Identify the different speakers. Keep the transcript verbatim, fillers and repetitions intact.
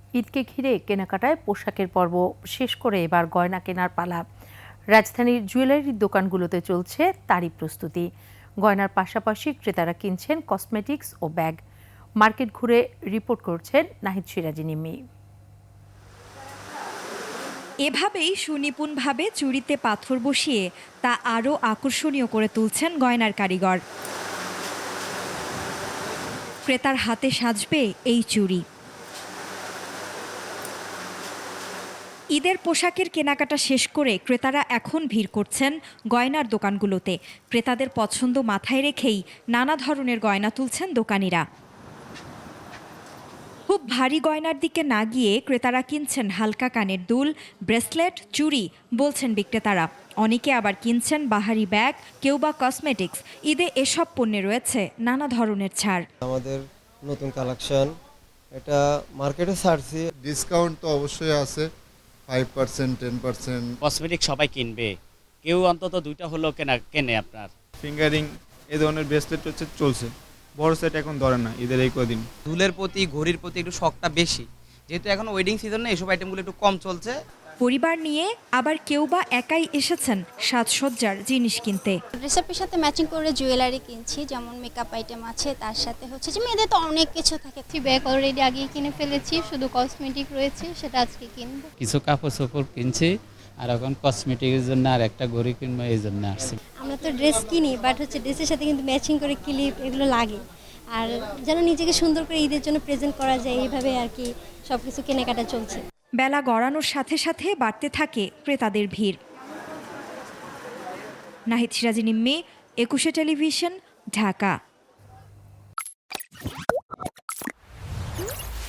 Speaker 1: ঈদকে ঘিরে কেনাকাটায় পোশাকের পর্ব শেষ করে এবার গয়না কেনার পালা। রাজধানীর জুয়েলারির দোকানগুলোতে চলছে তারই প্রস্তুতি। গয়নার পাশাপাশি ক্রেতারা কিনছেন কসমেটিক্স ও ব্যাগ। মার্কেট ঘুরে রিপোর্ট করছেন নাহিদ সিরাজি নিম্মি।
Speaker 2: এভাবেই সুনিপুণভাবে চুড়িতে পাথর বসিয়ে তা আরও আকর্ষণীয় করে তুলছেন গয়নার কারিগর। ক্রেতার হাতে সাজবে এই চুড়ি। ঈদের পোশাকের কেনাকাটা শেষ করে ক্রেতারা এখন ভিড় করছেন গয়নার দোকানগুলোতে। ক্রেতাদের পছন্দ মাথায় রেখেই নানা ধরনের গয়না তুলছেন দোকানিরা। খুব ভারী গয়নার দিকে না গিয়ে ক্রেতারা কিনছেন হালকা কানের দুল, ব্রেসলেট, চুড়ি বলছেন বিক্রেতারা। অনেকে আবার কিনছেন বাহারি ব্যাগ, কেউ বা কসমেটিক্স। ঈদে এসব পণ্যে রয়েছে নানা ধরনের ছাড়।
Speaker 3: আমাদের নতুন কালেকশন, এটা মার্কেটে ছাড়ছি।
Speaker 4: ডিসকাউন্ট তো অবশ্যই আছে, five percent ten percent.
Speaker 5: Cosmetic সবাই কিনবে, কেউ অন্তত দুইটা হলেও কেনা কেনে। আপনার
Speaker 6: ফিঙ্গারিং এই ধরনের ব্রেসলেট হচ্ছে চলছে, বড় সেট এখন ধরে না ঈদের এই কদিন।
Speaker 7: দুলের প্রতি ঘড়ির প্রতি একটু শখটা বেশি, যেহেতু এখন ওয়েডিং সিজন না, এসব আইটেমগুলো একটু কম চলছে।
Speaker 2: পরিবার নিয়ে আবার কেউ বা একাই এসেছেন সাজসজ্জার জিনিস কিনতে।
Speaker 8: ড্রেসআপের সাথে ম্যাচিং করে জুয়েলারি কিনছি, যেমন মেকআপ আইটেম আছে, তার সাথে হচ্ছে যে মেয়েদের তো অনেক কিছু থাকে।
Speaker 9: ব্যাগ অলরেডি আগেই কিনে ফেলেছি, শুধু কসমেটিক রয়েছে, সেটা আজকে কিনবো।
Speaker 10: কিছু কাপড় চোপড় কিনছি, আর এখন কসমেটিকের জন্য আর একটা ঘড়ি কিনবো, এই জন্য আসছি।
Speaker 9: আমরা তো ড্রেস কিনি, বাট হচ্ছে ড্রেসের সাথে কিন্তু ম্যাচিং করে ক্লিপ এগুলো লাগে, আর যেন নিজেকে সুন্দর করে ঈদের জন্য প্রেজেন্ট করা যায়, এইভাবে আর কি সব কিছু কেনাকাটা চলছে।
Speaker 2: বেলা গড়ানোর সাথে সাথে বাড়তে থাকে ক্রেতাদের ভিড়। নাহিদ সিরাজি নিম্মি, একুশে টেলিভিশন, ঢাকা।